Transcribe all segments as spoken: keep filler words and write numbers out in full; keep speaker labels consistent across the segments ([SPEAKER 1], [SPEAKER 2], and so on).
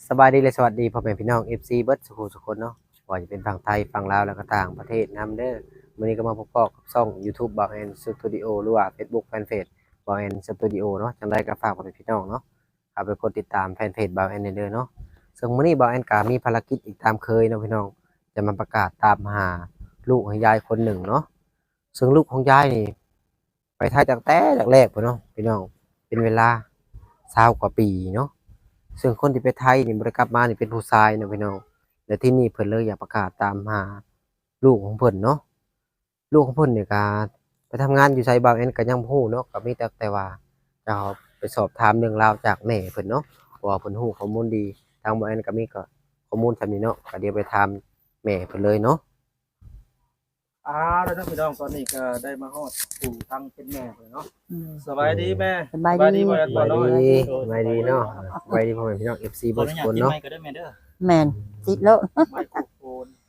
[SPEAKER 1] สบายดีเลยสวัสดีพ่อแม่พี่น้อง เอฟ ซี เบิร์ดสุขุสุขคนเนาะว่าจะเป็นฝั่งไทยฝั่งลาวแล้วก็ต่างประเทศนำเด้อมื้อนี้ก็มาพบกับช่อง YouTube บ่าวแอนสตูดิโอหรือว่า Facebook Fanpage บ่าวแอนสตูดิโอเนาะจังได๋ก็ฝากพ่อแม่พี่น้องเนาะเข้าไปกดติดตามแฟนเพจบ่าวแอนเด้อเนาะซึ่งมื้อนี้บ่าวแอนก็มีภารกิจอีกตามเคยเนาะพี่น้องจะมาประกาศตามหาลูกของยายคนหนึ่งเนาะซึ่งลูกของยายนี่ไปไทยตั้งแต่แรกๆพุ่นเนาะพี่น้องเป็นเวลายี่สิบกว่าปีเนาะ ซึ่งคนที่ไปไทยนี่บ่ได้กลับมานี่เป็นผู้ชายเนาะพี่น้องและที่นี่เพิ่นเลยอยากประกาศตามหาลูกของเพิ่นเนาะลูกของเพิ่นนี่ก็ไปทำงานอยู่ไสบางแอนก็ยังบ่ฮู้เนาะก็มีแต่แต่ว่าจะเอาไปสอบถามเรื่องราวจากแม่เพิ่นเนาะเพราะว่าเพิ่นฮู้ข้อมูลดีทางบางแอนก็มีก็ข้อมูลส่ำนี้เนาะก็เดี๋ยวไปถามแม่เพิ่นเลยเนาะ
[SPEAKER 2] อ่าแล้วท่านพี่น้องตอนนี้ก็ได้มาฮอดปู่ทางเป็นแม่เลยเนาะ
[SPEAKER 3] อืม
[SPEAKER 2] สบายดีแม่
[SPEAKER 3] สบายดี
[SPEAKER 2] บ่แม่น
[SPEAKER 1] ส
[SPEAKER 2] บ่
[SPEAKER 1] บาย
[SPEAKER 2] น้อย
[SPEAKER 1] ดีสบายดีเนาะสบายดีพ่อแม่พี่น้อง เอฟ ซี
[SPEAKER 4] ขอ
[SPEAKER 1] เบิด
[SPEAKER 4] อนุ
[SPEAKER 1] ทุก
[SPEAKER 4] ญาต
[SPEAKER 1] คน
[SPEAKER 4] กิน
[SPEAKER 1] เนาะ
[SPEAKER 4] ไม้ก็ได้แม่เด้อ
[SPEAKER 3] แม่นติดแล้ว
[SPEAKER 2] ไม่ถูกโอน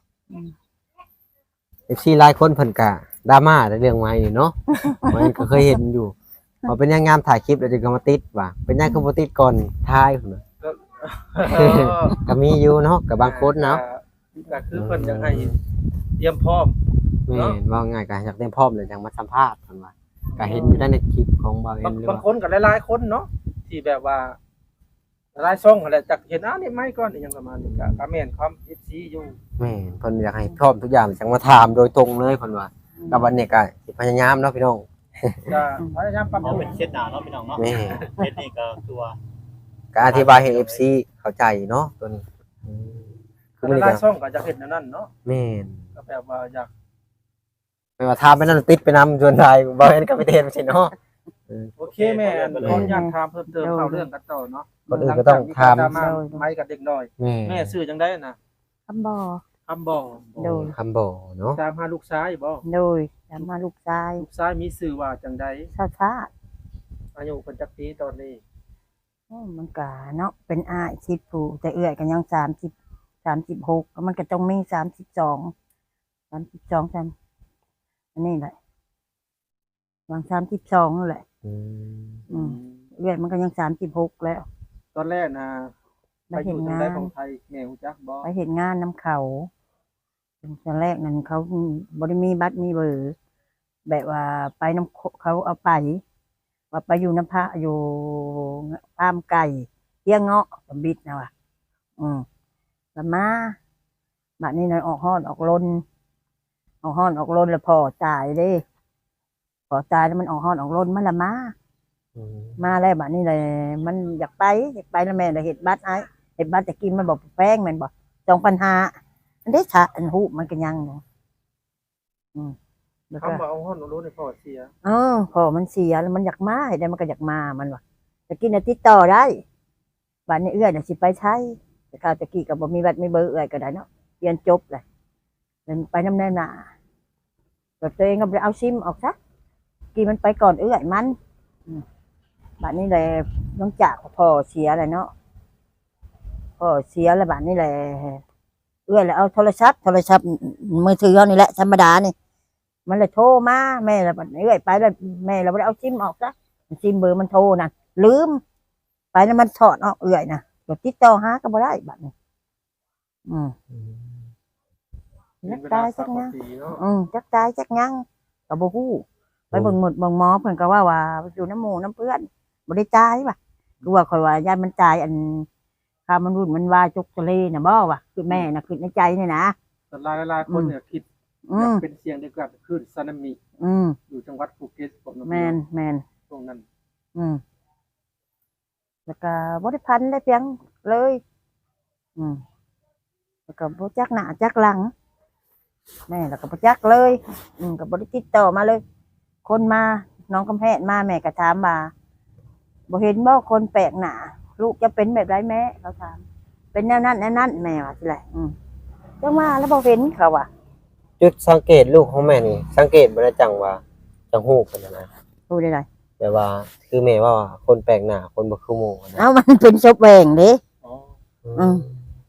[SPEAKER 1] เอฟ ซี หลายคนเพิ่นก็ดราม่าในเรื่องไม้นี่เนาะมันก็เคยเห็นอยู่ว่าเป็นยังงามถ่ายคลิปแล้วจึงก็มาติดว่าเป็นยังคือบ่ติดก่อนถ่ายพุ่นน่ะ
[SPEAKER 2] ก็
[SPEAKER 1] ก็มีอยู่เนาะกับบางคนเนาะ
[SPEAKER 2] ก็คือเพิ่นอยากให้เตรียมพร้อม
[SPEAKER 1] แม่นว่าง่ายก็อยากเต็มพร้อมเลยจังมาสัมภาษณ์เพิ่นว่าก็เห็นอยู่ในคลิปของบางเอ็
[SPEAKER 2] บาง
[SPEAKER 1] นหรือบ
[SPEAKER 2] าง
[SPEAKER 1] ว่า
[SPEAKER 2] คนก็หลายๆคนเนาะที่แบบว่าหลายช่องนั่นแหละจักเห็นอ้านี่ไม่ก่อนอีหยังประมาณนี้ก็ก็แม่นความ เอฟ ซี อยู่
[SPEAKER 1] แม่นเพิ่นอยากให้พร้อมทุกอย่างจังมาถามโดยตรงเลยเพิ่นว่ากับวันนี้ก็สิพยายามเนาะพี่น้อง
[SPEAKER 2] ก็พยายามปรับ
[SPEAKER 4] เอา
[SPEAKER 2] ปรุ
[SPEAKER 4] เป็
[SPEAKER 2] ง
[SPEAKER 4] นเช็ดหน้าเนาะพี่น้องเนาะ
[SPEAKER 1] แม่
[SPEAKER 4] เช็ดนี่ก็ตัว
[SPEAKER 1] ก็อธิบายให้ เอฟ ซี เข้าใจเนาะตัวนี้อืมคือมัน
[SPEAKER 2] หลาย
[SPEAKER 1] ก็
[SPEAKER 2] ๆช่องก็จะเห็นแนวนั้นเนาะ
[SPEAKER 1] แม่น
[SPEAKER 2] ก็แบบว่าอยาก
[SPEAKER 1] ไม่ว่าถามไปนั่นติดไปนำจนไทยบางเอ็นก็ไปเทนไปสิเนาะ
[SPEAKER 2] โอเคแม่ขออนุญาตถามเพิ่มเติมเข้าเรื่องกันต่อเนาะ
[SPEAKER 1] ก่อนอื่นก็ต้องถาม
[SPEAKER 2] หลังจากมีการดราม่าไม้กับเด็กน้อย
[SPEAKER 1] แม่
[SPEAKER 2] แม่ซื้อจังได้น่ะ
[SPEAKER 3] คำบ่อ
[SPEAKER 2] คำบอก
[SPEAKER 3] โดย
[SPEAKER 1] คำบอกเนาะ
[SPEAKER 2] ตามหาลูกชายบ่
[SPEAKER 3] โดยตามมาลูกชาย
[SPEAKER 2] ลูกชายมีชื่อว่าจังได
[SPEAKER 3] ชาชาติ
[SPEAKER 2] อายุเพิ่นจักปีตอนนี้
[SPEAKER 3] โอ้มันกะเนาะเป็นอ้ายสิบผู้แต่เอื้อยกันยังสามสิบสามสิบหกมันก็ต้องมีสามสิบสองสามสิบสองจันอันนี้แหละวางสามสิบสองนั่นแหละ
[SPEAKER 1] อืม
[SPEAKER 3] อืมเอื้อยมันก็ยังสามสิบหกแล้ว
[SPEAKER 2] ตอนแรกนะ
[SPEAKER 3] ไป
[SPEAKER 2] ไปอ
[SPEAKER 3] เห็น
[SPEAKER 2] ยู่จัง
[SPEAKER 3] งา
[SPEAKER 2] ได
[SPEAKER 3] น
[SPEAKER 2] ของไทยแม่ฮู้จักบ่
[SPEAKER 3] ไปเห็นงานน้ำเขาตอนแรกนั้นเขาบริมีบัตรมีเบอร์แบบว่าไปน้ำเขาเอาไป ว่าไปอยู่น้ำพระอยู่ฟาร์มไก่เลี้ยงเงาะกับบิดนะว่ะอืมแล้วมาบัดนี้นายออกห้อนออกลนออกห้อนออกลนแล้วพอจ่ายเด้พอจ่ายแล้วมันออกห้อนออกลนมันละมา
[SPEAKER 1] อืม
[SPEAKER 3] มาแล้วบัดนี้เลยมันอยากไปอยากไปแล้วแม่เลยเห็ดบัตรไอ้เห็ดบัตรจะกินมันบอกแป้งมันบอกจองปัญหาอันได้ชะอันหูมันก็ยังอยู่อืมแล้วก็
[SPEAKER 2] คำว่าเอาฮ้อนเอารู้ในพ่อเสีย
[SPEAKER 3] เออพอมันเสียแล้วมันอยากมาเห็นได้มันก็อยากมามันว่ะจะกินอาทิตย์ต่อได้บัดนี้เอื้อยน่ะสิไปใช้แต่ข้าวตะกี้ก็บ่มีบัตรมีเบอร์เอื้อยก็ได้เนาะเรียนจบเลยเดินไปน้ำแน่น่ะแบบตัวเองก็ไปเอาซิมออกซะกี่มันไปก่อนเอื้อยมันอืมบัดนี้เลยน้องจากพ่อเสียเลยเนาะพ่อเสียแล้วบัดนี้เลยเอื้อยเลยเอาโทรศัพท์โทรศัพท์มือถือเขานี่แหละธรรมดานี่ มันเลยโทรมาแม่เราบัดนี้เอ้ยไปแล้วแม่เราไม่ได้เอาซิมออกซะซิมเบอร์มันโทรนะลืมไปแล้วมันถอดออกเอื่อยนะเดี๋ยวติดต่อหาก็บ่ได้บัดนี้อืม
[SPEAKER 1] อืม
[SPEAKER 3] จัก
[SPEAKER 2] เป็นเว
[SPEAKER 3] ตา
[SPEAKER 2] ลาย
[SPEAKER 3] จั
[SPEAKER 2] สั
[SPEAKER 3] ก
[SPEAKER 2] ก
[SPEAKER 3] ยัง
[SPEAKER 2] ปีเนาะ
[SPEAKER 3] อืมจักตายจักยังก็บ่ฮู้ไปเบิ่งหมดเบิ่งหมอเพิ่นก็ว่าว่าอยู่น้ำหมู่น้ำเพื่อนบ่ได้ตายว่ะคือว่าข่อยว่าญาติมันตายอันค่ามันรุ่นมันว่าจุกทะเลน่ะบ่ว่ะคือแม่น่ะคือในใจนี่นะ
[SPEAKER 2] แต่หลายหลายๆคนเนี่ยคิด
[SPEAKER 3] อืม
[SPEAKER 2] เป็นเสียงเดียวกับคลื่นสึนามิ
[SPEAKER 3] อืม
[SPEAKER 2] อยู่จังหวัดภูเก็ตผม
[SPEAKER 3] แม่นแม่น
[SPEAKER 2] ตรงนั้น
[SPEAKER 3] อืมแล้วก็บริพันธ์ได้เพียงเลย อืมแล้วก็บจักหน้าจักหลัง แม่แล้วก็บจักเลย อืมกับบริติดต่อมาเลย คนมาน้องกำแพงมาแม่ก็ถามมาบ่เห็นบ่คนแปลกหน้าลูกจะเป็นแบบไรแม่เขาถาม เป็นแนวนั้นแนวนั้นแม่ว่าสิไรอืมจังว่าแล้วบ่เห็นเขาว่ะ
[SPEAKER 1] จุดสังเกตลูกของแม่นี่สังเกตบ่ได้จังว่าจังฮู้กันนะ
[SPEAKER 3] ดูได้ไร
[SPEAKER 1] แต่ว่าคือแม่ว่าคนแปลกหน้าคนบ่คือหมู่นะ
[SPEAKER 3] เอ้ามันเป็นศพแหวงเด้
[SPEAKER 2] อ๋อ
[SPEAKER 3] อืม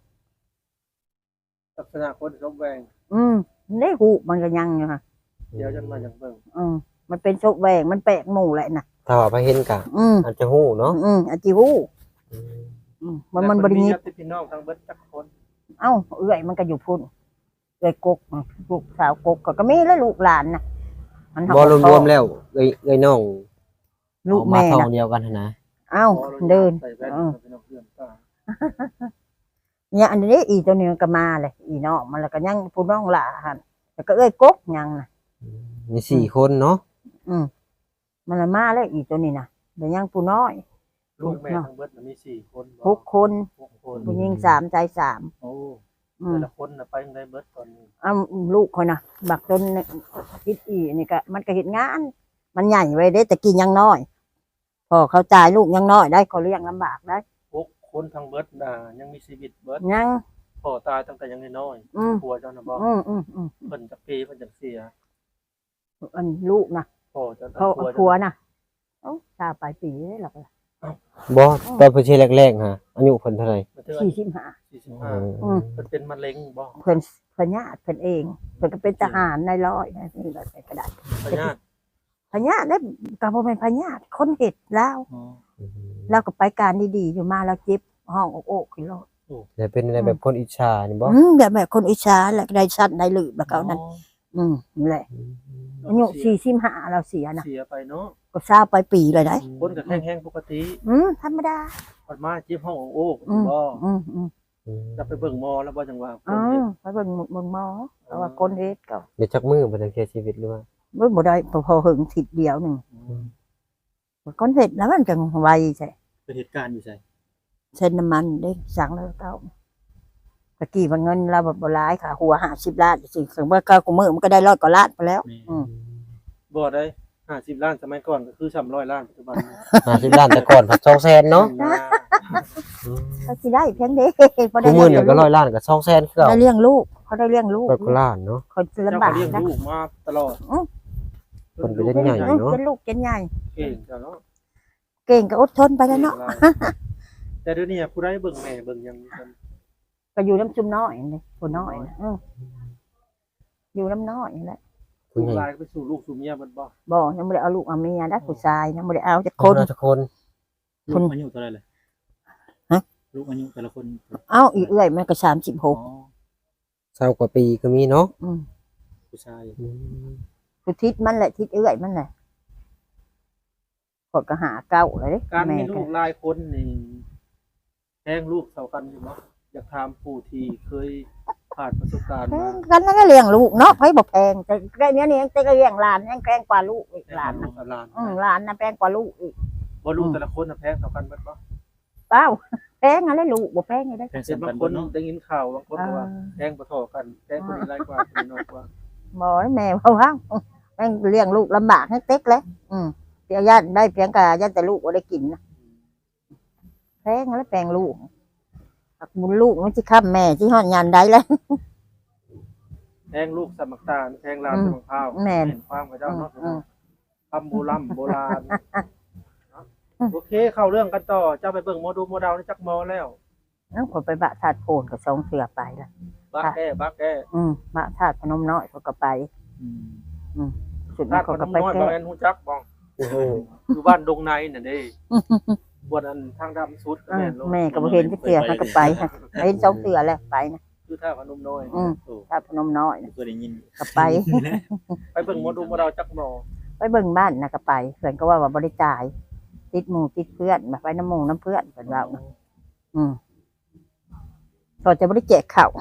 [SPEAKER 2] ลักษณะคนสมแวง
[SPEAKER 3] อืมได้หูมันก็ยังอยู่ค่ะ
[SPEAKER 2] เดี๋ยวจะมาอย่างเบิ่ง
[SPEAKER 3] อืมมันเป็นศพแหวงมันแปลกหมู่แหละน่ะ
[SPEAKER 1] ถ้าว่าไปเห็นก็
[SPEAKER 3] อืม
[SPEAKER 1] อาจจะฮู้เนาะ
[SPEAKER 3] อืมอาจิวู
[SPEAKER 1] อืม
[SPEAKER 3] อืมมันมันบ่ได้ยิบ
[SPEAKER 2] ญาติพี่น้องทั้งเบิดจักคน
[SPEAKER 3] เอ้าเอื้อยมันก็อยู่พุ่นเอื้อยกกลูกสาวกกก็ก็มีแล้วลูกหลานน่ะมัน
[SPEAKER 1] บ่รวมๆแล้วเอ้ยเอ้ยน้อง
[SPEAKER 3] ลูก
[SPEAKER 1] เอามา
[SPEAKER 3] แม่
[SPEAKER 1] ท้อง
[SPEAKER 3] น่ะ
[SPEAKER 1] เดียวกันหั่นนะ
[SPEAKER 3] เอ้าเดิน
[SPEAKER 2] ใส่แว่น
[SPEAKER 3] เออ
[SPEAKER 2] พี่น้องเพื่อนตา
[SPEAKER 3] เนี่ยอันนี้อีตัวนี้มันก็มาเลยอีน้องมันแล้วก็ยังผู้น้องหลาหั่นแล้วก็เอ้อยกกยังน่ะ
[SPEAKER 1] มีสี่คนเนาะ
[SPEAKER 3] อืมมันละมาแล้วอีตัวนี้น่ะเดี๋ยวยังผู้น้อย
[SPEAKER 2] ลูกแม่ทั้งเบิดน่ะมีสี่คนบ่
[SPEAKER 3] หกคน
[SPEAKER 2] หกคน
[SPEAKER 3] ผู้หญิงสามใจสาม
[SPEAKER 2] โอ้
[SPEAKER 3] อื
[SPEAKER 2] แต่
[SPEAKER 3] ม
[SPEAKER 2] ละคนน่ะไปยังได้เบิดตอนนี้
[SPEAKER 3] เอาลูกคนน่ะ บักจนคิดอีนี่ก็มันก็เห็นงาน มันใหญ่ไว้ได้แต่กินยังน้อย พอเขาจ่ายลูกยังน้อยได้เขาเลี้ยงลำบากได้
[SPEAKER 2] หกคนทั้งเบิดน่ะยังมีชีวิตเบิด
[SPEAKER 3] ยัง
[SPEAKER 2] พ่อตายตั้งแต่ยังน้อย
[SPEAKER 3] อืม
[SPEAKER 2] ๆผัวเจ้าน่ะบ่
[SPEAKER 3] อืมอืมอืม
[SPEAKER 2] เพิ่นจักปีเพิ่นจักเสีย
[SPEAKER 3] อันลูกนะ
[SPEAKER 2] พ่อเจ้า
[SPEAKER 3] เขา
[SPEAKER 2] ผัว
[SPEAKER 3] ผัวนะเอ้าชาปลายปีเลยหรอก
[SPEAKER 1] บ่ตอนเพิ่นสิแรกๆฮะอายุเพิ่นเท่าไหร่
[SPEAKER 3] สี่สิบห้า
[SPEAKER 2] สี่สิบห้า
[SPEAKER 3] อืม
[SPEAKER 2] เพิ่นเป็นมะเร็งบ่
[SPEAKER 3] เพิ่นเพิ่นญาติเพิ่นเองเพิ่นก็เป็นทหารในร้อยนี่แบบก็ได้
[SPEAKER 2] พญาติ
[SPEAKER 3] พญาติได้ก็บ่เป็นพญาติคนเห็ดแล้ว
[SPEAKER 2] อ๋อ
[SPEAKER 3] เราก็ไปการดีๆอยู่มาแล้วเจ็บห้องอกโอกขึ้นโลด
[SPEAKER 1] แต่เป็นอะไรแบบคนอิจฉานี่บ่
[SPEAKER 3] อืมแบบแบบคนอิจฉาแหละได้ชัดได้ลืบแล้วเขานั้นอืมนี่แหละอายุสี่สิบห้าเราเสียนะ
[SPEAKER 2] เสียไปเนาะ
[SPEAKER 3] ก็ทราบไปปีเลยได้
[SPEAKER 2] คนก็แห้งๆปกติ
[SPEAKER 3] อืมธรรมดา
[SPEAKER 2] พอมาเจ็บห้องโอ้
[SPEAKER 3] อืม
[SPEAKER 2] บ่
[SPEAKER 3] อืมอืม
[SPEAKER 2] จะไปเบิ่งหมอแล้วบ่จังว่าค
[SPEAKER 3] อ๋อน
[SPEAKER 2] เฮ็ด
[SPEAKER 3] ไปเบิ่งเบิ่งหมอเพราะว่าคนเฮ็ดก็
[SPEAKER 1] เดี๋ยวจักมือเพิ่นจะเสียชีวิตหรือว่า
[SPEAKER 3] บ่บ่ได้พอพอหึงทิศเดียวหนึงคนเฮ็ดแล้วมันจังไวใช่
[SPEAKER 4] เป็นเหตุการณ์อยู่ใช่
[SPEAKER 3] เส้นน้ำมันเด้สั่งแล้วเต้าตะกี้มันเงินเราแบบบ่หลายค่ะหัวห้าสิบล้านสิถึงว่าเก้ากูมื้อมันก็ได้ร้อยกว่าล้านไปแล้ว อืม
[SPEAKER 2] บ่ได้ห้าสิบล้านสมัยก่อนก็คือสามร้อยล้านปัจจุบันนี้
[SPEAKER 1] ห้าสิบล้านแต่ก่อนพันสองแสนเนาะ
[SPEAKER 2] นะ
[SPEAKER 3] เขาสิได้เพียงเด้บ่
[SPEAKER 1] ทุ
[SPEAKER 3] ได้
[SPEAKER 1] กมื้อนี่ก็ร้อยล้านก็สองแสนคือเก่า
[SPEAKER 3] ได้เลี้ยงลูกเขาได้เลี้ยงลูก
[SPEAKER 1] ร้อยกว่าล้านเนาะ
[SPEAKER 3] คนลำ
[SPEAKER 2] เจ้า
[SPEAKER 3] บา
[SPEAKER 2] ก็
[SPEAKER 3] ก
[SPEAKER 2] เลี้ยง
[SPEAKER 3] นะ
[SPEAKER 2] ลูกมาตลอด
[SPEAKER 1] เพิ่นไปเล่นใหญ่
[SPEAKER 3] อืม
[SPEAKER 1] เนาะ
[SPEAKER 3] เป็นลูกเป็นใหญ่
[SPEAKER 2] เก่งจ้ะเนาะ
[SPEAKER 3] เก่งก็อดทนไปแล้วเนาะ
[SPEAKER 2] แต่เดี๋ยวนี้ผู้ใดเบิ่งแม่เบิ่งหยังกัน
[SPEAKER 3] ก็อยู่น้ำซุมน้อยนี่ผู้น้อยนะอืมอยู่น้ำน้อยนี่แหละ
[SPEAKER 1] ผู้
[SPEAKER 2] ผู้
[SPEAKER 1] ใหญ่
[SPEAKER 2] ลายไปสู่ลูกสู่เมียเบิดบ่
[SPEAKER 3] บ่ยังบ่ได้เอาลูกเอาเมียนะผู้ชายยังบ่ได้เอาจัก
[SPEAKER 1] ค
[SPEAKER 3] คน น
[SPEAKER 1] ทุกคน
[SPEAKER 4] ลูกอายุเท่าไหร่เลย
[SPEAKER 3] ฮะ
[SPEAKER 4] ลูกอายุแต่ละคน
[SPEAKER 3] เอ้าอีเอื้อยมันก็สามสิบห
[SPEAKER 4] อ๋อก
[SPEAKER 1] เศร้ากว่าปีก็มีเนาะ
[SPEAKER 3] อืม
[SPEAKER 4] ผู้ชาย
[SPEAKER 3] ผู้ทิศมันแหละทิศเอื้อยมันแหละกดก็หาเก้าเลยเด้
[SPEAKER 2] การ
[SPEAKER 3] แม่
[SPEAKER 2] มี
[SPEAKER 3] ก็
[SPEAKER 2] ลูกหลายคนนี่แท้งลูกเท่ากันอยู่บ่อยากถามผู้ที่เคยผ่านประสบการณ์
[SPEAKER 3] แพ
[SPEAKER 2] มา
[SPEAKER 3] งกันนั่นก็เลี้ยงลูกเนาะไผบ่แพงแต่แค่เนี้ยนี่ยังแต่ก็เลี้ยงหลานยังแพงกว่าลูกอีกหลานนะ
[SPEAKER 2] หลาน
[SPEAKER 3] อืมหลานน่ะแพงกว่าลูกอีก
[SPEAKER 2] บ่ลูกแต่ละคนน่ะแพงเท่ากันเบิดบ่
[SPEAKER 3] เปล่าแพงอะไรลูกบ่แพงไงได้
[SPEAKER 4] เป็น
[SPEAKER 2] เห็น
[SPEAKER 4] สำ
[SPEAKER 2] บา
[SPEAKER 4] คัญ
[SPEAKER 2] งค
[SPEAKER 4] บ่
[SPEAKER 2] น
[SPEAKER 4] เนาะ
[SPEAKER 2] ได้ยินข่าวบางคน
[SPEAKER 3] เอ
[SPEAKER 2] ก็
[SPEAKER 3] อ
[SPEAKER 2] ว่าแพงบ่เท่ากันแพงคนนี้หลายกว่าคนนี้น้อยกว่า
[SPEAKER 3] บ่แม่ว่าว่าแม่งเลี้ยงลูกลำบากให้เต็กเลยอืมเพียงญาติได้เพียงกะญาติแต่ลูกบ่ได้กินนะแพงแล้วแพงลูกอักบุญลูกมันสิค้ำแม่สิฮอดยานใดแล้ว
[SPEAKER 2] แพงลูกสมักตาลแพงหลานสมักพร้าว
[SPEAKER 3] แม่น
[SPEAKER 2] เห็นความกับเจ้าเนาะ
[SPEAKER 3] อืม
[SPEAKER 2] คำโบราณโบราณโอเคเข้าเรื่องกันต่อเจ้าไปเบิ่งโมดูโมดาวนี่จักหมอแล้ว
[SPEAKER 3] เอ้าผมไปบะธาตุโพนกับสองเสือไปละ
[SPEAKER 2] บักแก้บักแก้
[SPEAKER 3] อืมบะธาตุพนมน้อยเขาก็ไป
[SPEAKER 4] อืม
[SPEAKER 3] สุด
[SPEAKER 2] ถ้า
[SPEAKER 3] นั้น
[SPEAKER 2] ค
[SPEAKER 3] เขา
[SPEAKER 2] น
[SPEAKER 3] ก็ไป
[SPEAKER 2] น้อย
[SPEAKER 3] แก้
[SPEAKER 2] บ่แม่นฮู้จักบ้องอยู่บ้านดงในน่ะเด้บวนอันทางดำสุดก็
[SPEAKER 3] อื
[SPEAKER 2] แม่
[SPEAKER 3] ม
[SPEAKER 2] นลง
[SPEAKER 3] แม่ก็บ่เห็นที่เสือเขาก็ไปฮะเห็นสองเสือแล้วไปนะ
[SPEAKER 2] คือท่าพนมน้อย
[SPEAKER 3] อืม
[SPEAKER 4] โอ้
[SPEAKER 3] ธาตุพนมน้อยนะ
[SPEAKER 4] เคยได้ยิน
[SPEAKER 3] ก็ไป
[SPEAKER 2] ไปเบิ่งโมดูโมดาวจักหมอ
[SPEAKER 3] ไปเบิ่งบ้านนะก็ไปเพื่อนก็ว่าว่าบ่ได้จ่ายติดหมู่ติดเพื่อนแบบไปน้ำหมู่น้ำเพื่อนเพิ่นว่านะอืมก็จะบ่ได้แจกข้าว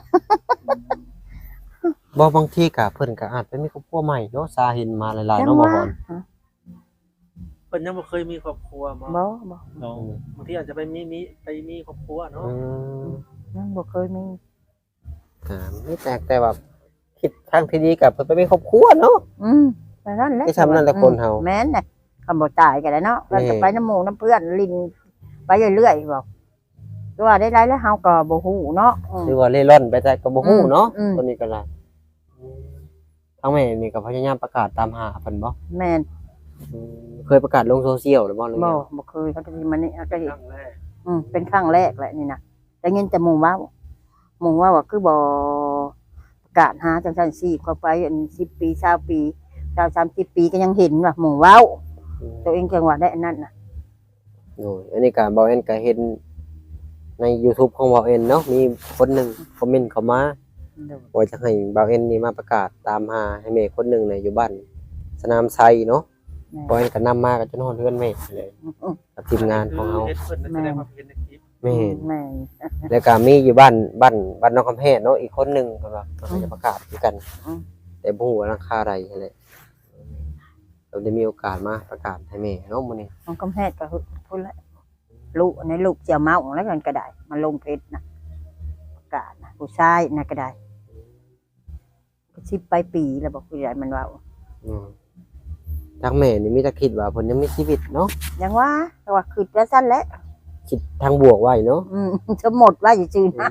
[SPEAKER 1] บ่บางทีก็เพิ่นก็อาจไปมีครอบครัวใหม่เนาะสาเห็นมาหลายๆ
[SPEAKER 3] จัง
[SPEAKER 1] เนาะบ่
[SPEAKER 3] ว่า
[SPEAKER 1] ฮอน
[SPEAKER 2] เพิ่นยังบ่เคยมีครอบครัวมา
[SPEAKER 3] บ่บ่
[SPEAKER 4] น้อง
[SPEAKER 2] บางทีอาจจะไปมีมีไปมีครอบครัวเนาะ
[SPEAKER 1] อืม
[SPEAKER 3] ยังบ่เคยมี
[SPEAKER 1] อ่าไม่แตกแต่ว่าคิดทางที่ดีกับเพิ่นไปมีครอบครัวเนาะ
[SPEAKER 3] อืมแต่นั่นแหละ
[SPEAKER 1] ไม่ทำนั่นแหละคนเฮา
[SPEAKER 3] แม่นน่ะคำบ่ตายกันแล้วเนาะ
[SPEAKER 1] แม่
[SPEAKER 3] เราจะไปน้ำหมู่น้ำเพื่อนลินไปเรื่อยๆบอกตัวได้ไรแล้วเฮาก็บ่ฮู้เนาะอืม
[SPEAKER 1] หรือว่าเล่ร่อนไปแต่ก็บ่ฮู้เนาะ
[SPEAKER 3] อืม
[SPEAKER 1] คนนี้ก็ล่ะทั้งแม่นี่ก็พยายามประกาศตามหาเพิ่นบ่
[SPEAKER 3] แม่น
[SPEAKER 1] อืมเคยประกาศลงโซเชียลหรือบ่หรือ
[SPEAKER 3] บ่
[SPEAKER 1] ยัง
[SPEAKER 3] บ่เคยเขาจะมานี่ก็เห็น
[SPEAKER 2] ครั้งแรก
[SPEAKER 3] อืมเป็นครั้งแรกแหละนี่นะแต่ยินแต่หมู่เว้าหมู่เว่าว่าคือบ่ประกาศหาจังซั่นสิเข้าไปอันสิบปียี่สิบปียี่สิบ สามสิบปีก็ยังเห็นว่าหมู่เว้า ตัวเองจังหวะได้อันนั้นน่ะ
[SPEAKER 1] โอ้ยอันนี้ก็บ่แม่นก็เห็นใน YouTube ของบ่าวเอ็นเนาะมีคนหนึงคอมเมนต์เข้ามา
[SPEAKER 3] โดย
[SPEAKER 1] ว่าจะให้บ่าวเอ็นนี่มาประกาศตามหาให้แม่คนหนึงเนี่ยอยู่บ้านสนามไซเนาะ
[SPEAKER 3] แม่
[SPEAKER 1] บ่าวเอ็นก็นำมาก็จนฮอดเฮือนแม่เลยกับทีมงานของเฮา
[SPEAKER 2] เฮ็ดเพิ่นแสดงความเห็นในคลิป
[SPEAKER 1] แม่น
[SPEAKER 3] แม่
[SPEAKER 1] แล้วก็มีอยู่บ้านบ้านบ้านน้องคำแพงเนาะอีกคนหนึงเพิ่นว่าเขาจะประกาศคือกัน
[SPEAKER 3] อืม
[SPEAKER 1] แต่บ่ฮู้ว่าราคาใดนั่นแหละเราได้มีโอกาสมาประกาศให้แม่เนาะมื้อนี้
[SPEAKER 3] มันก็แพทย์ก็พูดแล้วลูกในลูกเจียวเมาแล้วกันก็ได้มาลงเพชรนะประกาศนะผู้ชายนะก็ได้ก็สิบไปปีแล้วบอกผู้ใหญ่มันว่า
[SPEAKER 1] อืมทางแม่นี่มีแต่คิดว่าเพิ่นยังมีชีวิตเนาะ
[SPEAKER 3] ยังว่าแต่ว่าคือจะสั้นแล้ว
[SPEAKER 1] คิดทางบวกไว้เนาะ
[SPEAKER 3] อืมจะหมดว่าอยู่จืนนะ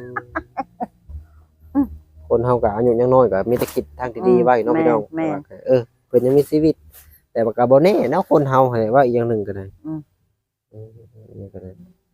[SPEAKER 1] คนเฮาก็อายุยังน้อยก็มีแต่คิดทางที่ดีไว้เนาะ
[SPEAKER 3] แม่
[SPEAKER 1] พี่น้อง
[SPEAKER 3] แม่
[SPEAKER 1] ว่าก็เออเพิ่นยังมีชีวิต แต่ว่าก็บ่แน่เนาะคนเฮาให้ว่าอีกอย่างหนึงก็ได้
[SPEAKER 3] อืม
[SPEAKER 1] อืมนี่ก็ได้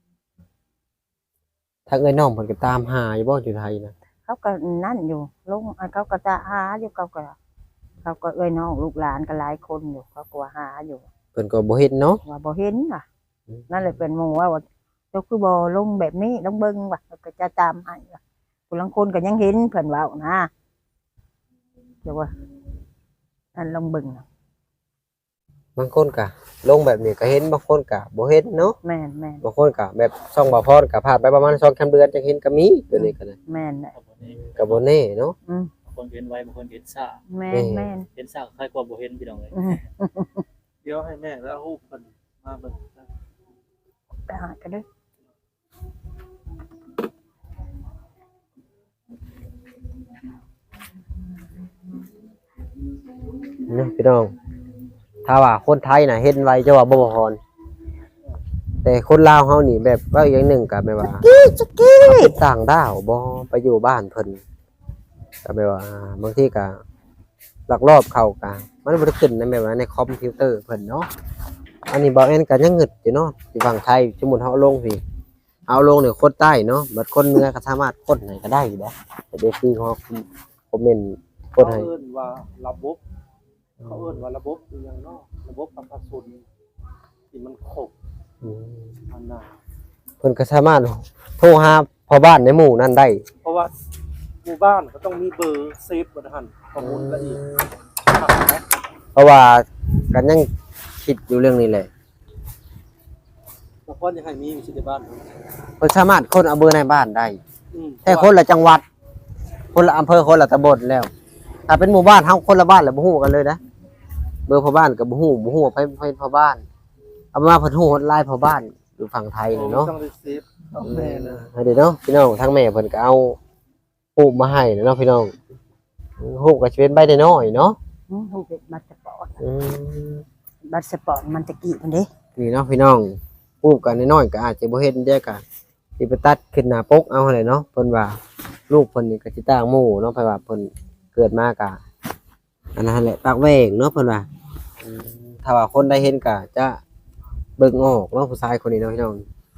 [SPEAKER 1] ทางเอ้ยน้องเพิ่นก็ตามหาอยู่บ่อยู่ไทยนะ
[SPEAKER 3] เขาก็นั่นอยู่ลงอันเขาก็จะหาอยู่เขาก็เขาก็เอ้ยน้องลูกหลานก็หลายคนอยู่เขาก็ว่าหาอยู่
[SPEAKER 1] เพิ่นก็บ่เฮ็ดเนาะ
[SPEAKER 3] ว่าบ่เห็นว่ะ
[SPEAKER 1] อืม
[SPEAKER 3] นั่นเลยเป็นหมู่ว่าว่าเจ้าคือบ่ลงแบบนี้ต้องเบิ่งว่ะก็จะตามให้ว่ะผู้ลังคนก็ยังเห็นเพิ่นเว้านะเดี๋ยวว่าอันลองเบิ่งน่ะ
[SPEAKER 1] บางคนก็ลงแบบนี้ก็เห็นบางคนก็บ่เห็นเนาะ
[SPEAKER 3] แม่นแม่น
[SPEAKER 1] บางคนก็แบบช่องบ่พรก็ผ่านไปประมาณสองสามเดือนจังเห็นก็มีตัวนี้ก็ได้
[SPEAKER 3] แม่นแหละ
[SPEAKER 4] ครับวันนี้
[SPEAKER 1] ก็บ่แน่เนาะ
[SPEAKER 3] อืม
[SPEAKER 4] บางคนเห็นไว้บางคนเห็นซ่า
[SPEAKER 3] แม่
[SPEAKER 1] แม่
[SPEAKER 3] นแม่น
[SPEAKER 4] เห็นซ่าคล้ายกว่าบ่เห็นพี่น้องเลย
[SPEAKER 3] อืม
[SPEAKER 2] เดี๋ยวให้แม่แล้วรูปเพิ่นมาเบิ่งนะ
[SPEAKER 3] ไปหากันเด้อ
[SPEAKER 1] เนาะพี่น้อง ถ้าว่าคนไทยน่ะเห็นไว้จะว่าบ่บ่พรแต่คนลาวเฮานี่แบบว่าอีกอย่างหนึงก็แบบว่า
[SPEAKER 3] จุกกี้
[SPEAKER 1] เป็นต่างดาวบ่ไปอยู่บ้านเพิ่นก็แบบว่าบางทีก็ลักลอบเข้าก็มันบ่ได้ขึ้นในแบบว่าในคอมพิวเตอร์เพิ่นเนาะอันนี้บ่แม่นก็ยังงึดอยู่เนาะที่ฝั่งไทยสมมุติเฮาเอาลงพี่เอาลงเนี่ยคนใต้เนาะบัดคนเหนือก็สามารถกดให้ก็ได้อยู่เด้แต่เดี๋ยวคือเขาคอมเมนต์ก
[SPEAKER 2] เขา
[SPEAKER 1] ดให้
[SPEAKER 2] เอิ้นว่าระบบเขาเอิ้นว่าระบบอีหยังเนาะระบบประชาชนที่มันครบ
[SPEAKER 1] อืม
[SPEAKER 2] อันน่ะ
[SPEAKER 1] เพิ่นก็สามารถโทรหาพ่อบ้านในหมู่นั้นได้
[SPEAKER 2] เพราะว่าหมู่บ้านก็ต้องมีเบอร์เซฟบ่ทันข้อมูลละเอียดครับนะ
[SPEAKER 1] เพราะว่ากันยังคิดอยู่เรื่องนี้แหละ
[SPEAKER 2] บางคนยังให้มีอยู่ที่ในบ้าน
[SPEAKER 1] เพิ่นสามารถคนเอาเบอร์ในบ้านได้
[SPEAKER 2] อืม
[SPEAKER 1] แต่คนละจังหวัด คนละอำเภอคนละตำบลแล้ว ถ้าเป็นหมู่บ้านเฮาคนละบ้านแล้วบ่ฮู้กันเลยนะเบอร์พ่อบ้านก็บ่ฮู้บ่ฮู้ว่าไผไผพ่อบ้าน เอามาเพิ่นฮู้ฮอดไลน์พ่อบ้านอยู่ฝั่งไทยนี่เนาะ
[SPEAKER 2] ต้องได้เซฟเอาแม่นะ
[SPEAKER 1] ให้เด้อเนาะพี่น้องทั้งแม่เพิ่นก็เอารูปมาให้เนาะพี่น้องรูปก็สิเป็นใบน้อยๆเนาะ
[SPEAKER 3] อืมลูกเป็นบัตรสปอร์ต
[SPEAKER 1] อืม
[SPEAKER 3] บัตรสปอร์ตมันตะกี้มันเด้
[SPEAKER 1] นี่เนาะพี่น้องรูปกันน้อยๆก็อาจจะบ่เห็นได้ก็สิไปตัดขึ้นหน้าปกเอาหั่นแหละเนาะเพิ่นว่าลูกเพิ่นนี่ก็สิต่างหมู่เนาะเพราะว่าเพิ่นเกิดมาก็อันนั้นแหละปากแหว่งเนาะเพิ่นว่าอืมถ้าว่าคนได้เห็นก็จะเบิ่งออกเนาะผู้ชายคนนี้เนาะพี่น้อง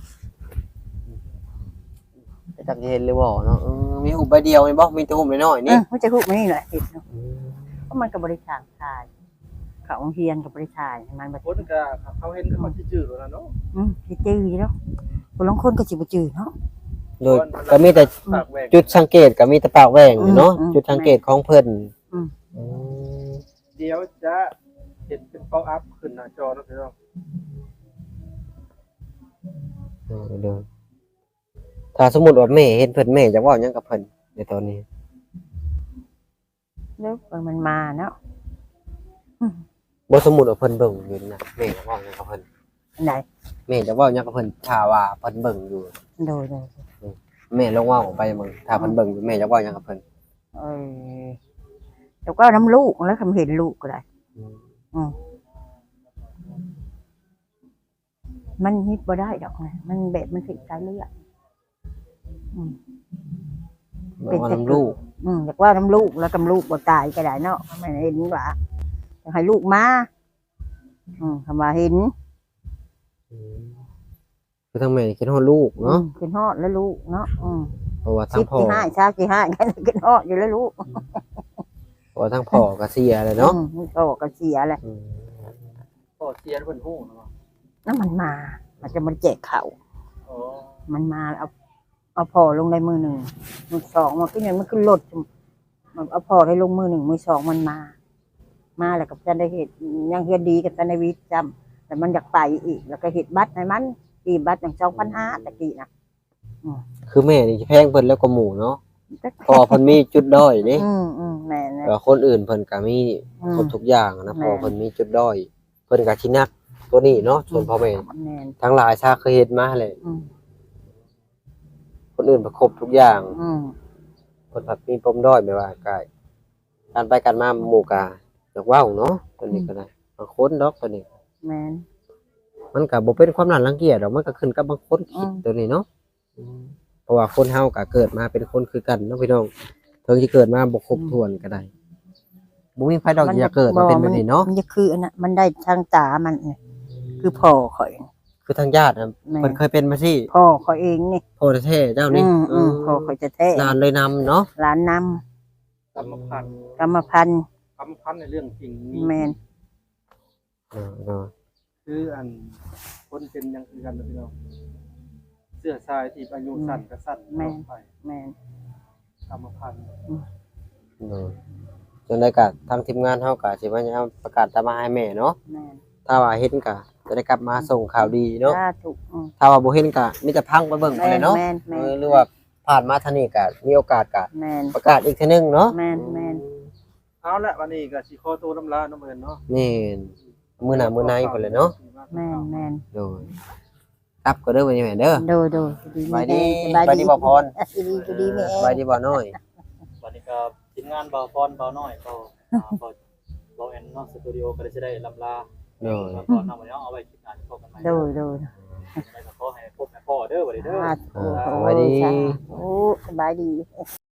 [SPEAKER 1] จะจักสิเห็นหรือบ่เนาะเออมีรูปใบเดียวนี่บ่มีแต่รูปน้อยๆ
[SPEAKER 3] เอ
[SPEAKER 1] นี่
[SPEAKER 3] อมันจะฮู้มานี่แหละเห็นเนาะเพราะมันก็บริจาคทายเขาโรงเรียนกับบริจาคมันบ่
[SPEAKER 2] คนก็เขาเห็นก็เขาสิจื้อแล้วนะเนาะ
[SPEAKER 3] อืมสิจื้ออยู่แล้วผู้ลางคนก็สิบ่จื้อเนาะ
[SPEAKER 1] โดยก็มีแต่
[SPEAKER 2] ปากแหวก
[SPEAKER 1] จุดสังเกตก็มีแต่ปากแหว่งอยู่เนาะ
[SPEAKER 3] อืม
[SPEAKER 1] จุดสังเกตของเพิ่น
[SPEAKER 3] อืม
[SPEAKER 1] อืม
[SPEAKER 2] เดี๋ยวจะเห็นเป็น pop up ขึ้นหน้าจอนะพี่น้อง
[SPEAKER 1] เออเด้อถ้าสมมุติว่าแม่เห็นเพิ่นแม่จะเว้าหยังกับเพิ่นในตอนนี้
[SPEAKER 3] แล้วมันมาเนาะ
[SPEAKER 1] บ่สมมุติว่าเพิ่นเบิ่งอยู่นะแม่จะเว้าหยังกับเพิ่น
[SPEAKER 3] อันไหน
[SPEAKER 1] แม่จะเว้าหยังกับเพิ่นถ้าว่าเพิ่นเบิ่งอยู่
[SPEAKER 3] โดยโดย
[SPEAKER 1] แม่ลองเว้าไปมึงถ้าเพิ่นเบิ่งอยู่แม่จะเว้าหยังกับเพิ่น
[SPEAKER 3] เออแล้วก็น้ำลูกแล้วคำเห็นลูกก็ได้
[SPEAKER 1] อืม
[SPEAKER 3] อืมมันฮิตบ่ได้ดอกนะมันแบบมันสิสายเลือดอืม
[SPEAKER 1] บอกว่าน้ำลูก
[SPEAKER 3] อืมอยากว่าน้ำลูกแล้วกำลูกบ่ตายก็ได้เนาะไม่เห็นว่าอยากให้ลูกมาอืมคำว่าเห็น
[SPEAKER 1] อืมคือทั้งแม่คิดฮอดลูกเนาะ
[SPEAKER 3] อืมขึ้นฮอดแล้วลูกเนาะอืม
[SPEAKER 1] เพราะว่าทั้
[SPEAKER 3] สิ
[SPEAKER 1] ง
[SPEAKER 3] บ
[SPEAKER 1] พ่อ
[SPEAKER 3] กี่ห้าชากี่ห้ากันขึ้นฮอดอยู่แล้วลูก
[SPEAKER 1] เพราะว่าทั้งพ่อก็เสียเลยเนาะ
[SPEAKER 3] อืมมันก็ก็เสียแหละ
[SPEAKER 1] อืม
[SPEAKER 2] ก็เสียเพิ่นฮู้เนาะ
[SPEAKER 3] นั่นมันมา มันจะมันแจกเขา
[SPEAKER 2] อ๋อ
[SPEAKER 3] มันมาเอาเอาพ่อลงได้มือหนึ่งมือสองมันก็ยังมันขึ้นรถมันเอาพ่อได้ลงมือหนึ่งมือสองมันมา มาแล้วกับจันได้เหตุยังเฮียดีกับจันได้วิทย์จำแต่มันอยากไปอีก แล้วก็เหตุบัตรในมันตีบัตรอย่างสองพันห้าตะกี้นะ
[SPEAKER 1] คือแม่นี่แพงเพิ่นแล้วก็หมู่เนาะพอเพิ่นมีจุดด้อยนี่
[SPEAKER 3] อืมอืมแม่นะ
[SPEAKER 1] แล้วคนอื่นเพิ่นก็มี
[SPEAKER 3] อืม
[SPEAKER 1] ครบทุกอย่างนะพอเพิ่นมีจุดด้อย เพิ่นก็สินักตัวนี้เนาะส่วนพ่อแม่
[SPEAKER 3] แม่น
[SPEAKER 1] ทั้งหลายชาเคยเฮ็ดมาแหละ
[SPEAKER 3] อืม
[SPEAKER 1] คนอื่นประครบทุกอย่าง
[SPEAKER 3] อืม
[SPEAKER 1] คนผัดมีปมด้อยไม่ว่าก็การไปกันมาหมู่กาอยากเว้าเนาะตัวนี้ก็ได้บางคนดอกตัวนี้
[SPEAKER 3] แม่น
[SPEAKER 1] มันก็บ่เป็นความน่ารังเกียจดอกมันก็ขึ้นกับบางคนคิด
[SPEAKER 3] อืม
[SPEAKER 1] ตัวนี้เนาะอืมเพราะว่าคนเฮาก็เกิดมาเป็นคนคือกันเนาะพี่น้องถึงสิเกิดมาบ่ครบถ้วนก็ได้บ่มีไผดอกอยากเกิดมาเป็นแบบนี้เนาะ
[SPEAKER 3] มันจะคืออันนั้นมันได้ทางตามันเนี่ยคือพ่อข่อย
[SPEAKER 1] คือทางญาติน่ะ
[SPEAKER 3] แม่
[SPEAKER 1] เพิ่นเคยเป็นมาสิ
[SPEAKER 3] พ่อข่อยเองนี่
[SPEAKER 1] พ่อแท้ๆเจ้า
[SPEAKER 3] อื
[SPEAKER 1] นี่
[SPEAKER 3] มอืมพ่อข่อยจะแท้
[SPEAKER 1] หลานเลยนำเนาะ
[SPEAKER 3] หลานน
[SPEAKER 2] กรรมพันธุ์
[SPEAKER 3] ำกรรมพันธุ์
[SPEAKER 2] กรรมพันธุ์ในเรื่องจริงมี
[SPEAKER 3] แม่น
[SPEAKER 1] เออเออ
[SPEAKER 2] คืออันคนเป็นอยังคือกันนะพี่น้องเสื้อทรายที่อายุสั้นก็สั้นตลอดไป
[SPEAKER 3] แม่น
[SPEAKER 2] กรรมพันธุ์
[SPEAKER 1] เออจนได้ก็ทางทีมงานเฮาก็สิว่าจะเอาประกาศตามมาให้แม่เนาะ
[SPEAKER 3] แม่น
[SPEAKER 1] ถ้าว่าเห็นก็จะได้กลับมาส่งข่าวดีเนาะ
[SPEAKER 3] สาธุอืม
[SPEAKER 1] ถ้าว่าบ่เห็นก็มีแต่พังไปเบิ่งไป
[SPEAKER 3] แม่
[SPEAKER 1] เลย
[SPEAKER 3] น
[SPEAKER 1] เนาะ
[SPEAKER 3] แม่น
[SPEAKER 1] เอ
[SPEAKER 3] แม่
[SPEAKER 1] อน หรือว่าผ่านมาทางนี้ก็มีโอกาสก็
[SPEAKER 3] แม่น
[SPEAKER 1] ประกาศอีกเทื่อนึงเนาะ
[SPEAKER 3] แม่นแม่น
[SPEAKER 2] เอาละวันนี้ก็สิขอตัวน้ำลาน้ำเอินเนาะ
[SPEAKER 1] นี่มื้อหน้ามื้อในพุ่นเลยเนาะ
[SPEAKER 3] แม่นแม่น
[SPEAKER 1] โดยกลับก็เด้อวันนี้แม่เด้อ
[SPEAKER 3] โดยโดย
[SPEAKER 1] สบายดี
[SPEAKER 3] ส
[SPEAKER 1] สบายดีบ่พร
[SPEAKER 3] สบายดีสบายดีแม่
[SPEAKER 1] สบายดีบ่น้อย
[SPEAKER 4] วันนี้ก็ทีมงานเบาพรเบาน้อยเบาอ่าเบาเบาแอนเนาะสตูดิโอก็ได้จะได้ลำลา
[SPEAKER 1] โดย
[SPEAKER 4] แล้วก็นำวันนี้เอาไว้คลิปหน้าจะพบกันใหม่
[SPEAKER 3] โดยโดย
[SPEAKER 4] แล้วก็ขอให้พบแม่พ่อเด้อวันนี้เด้อ
[SPEAKER 3] สาธุ
[SPEAKER 1] สบายดี
[SPEAKER 3] โอ้สบายดี